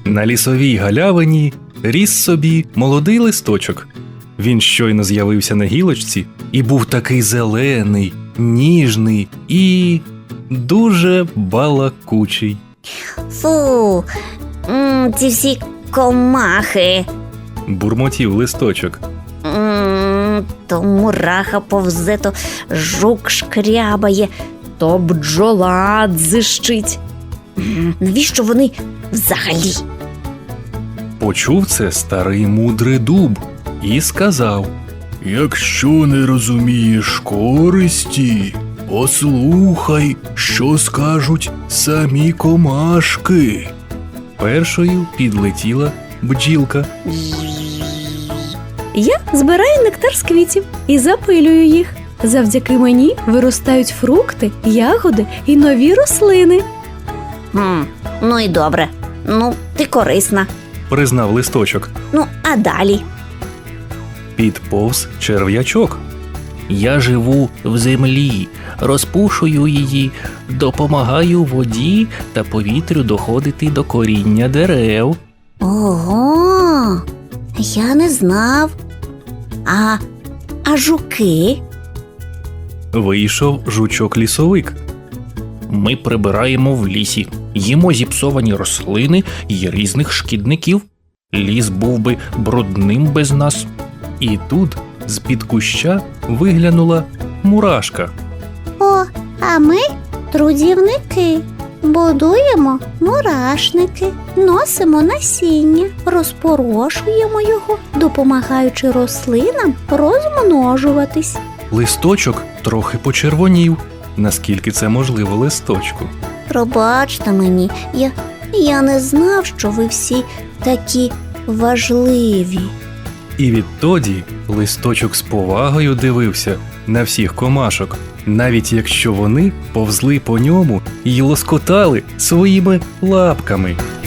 На лісовій галявині ріс собі молодий листочок. Він щойно з'явився на гілочці і був такий зелений, ніжний і дуже балакучий. Фу, ці всі комахи. Бурмотів листочок. То мураха повзе, то жук шкрябає, то бджола дзищить. Навіщо вони взагалі? Почув це старий мудрий дуб і сказав: Якщо не розумієш користі, послухай, що скажуть самі комашки. першою підлетіла бджілка. Я збираю нектар з квітів і запилюю їх. Завдяки мені виростають фрукти, ягоди і нові рослини. Ну і добре. Ну, ти корисна. Признав листочок. Ну, а далі? Підповз черв'ячок. Я живу в землі, розпушую її, допомагаю воді та повітрю доходити до коріння дерев. Ого, я не знав. А жуки? Вийшов жучок-лісовик. Ми прибираємо в лісі, їмо зіпсовані рослини і різних шкідників. Ліс був би брудним без нас. І тут з-під куща виглянула мурашка. О, а ми трудівники. Будуємо мурашники, носимо насіння, розпорошуємо його, допомагаючи рослинам розмножуватись. Листочок трохи почервонів, наскільки це можливо листочку. Пробачте мені, я не знав, що ви всі такі важливі. І відтоді листочок з повагою дивився на всіх комашок, навіть якщо вони повзли по ньому й лоскотали своїми лапками.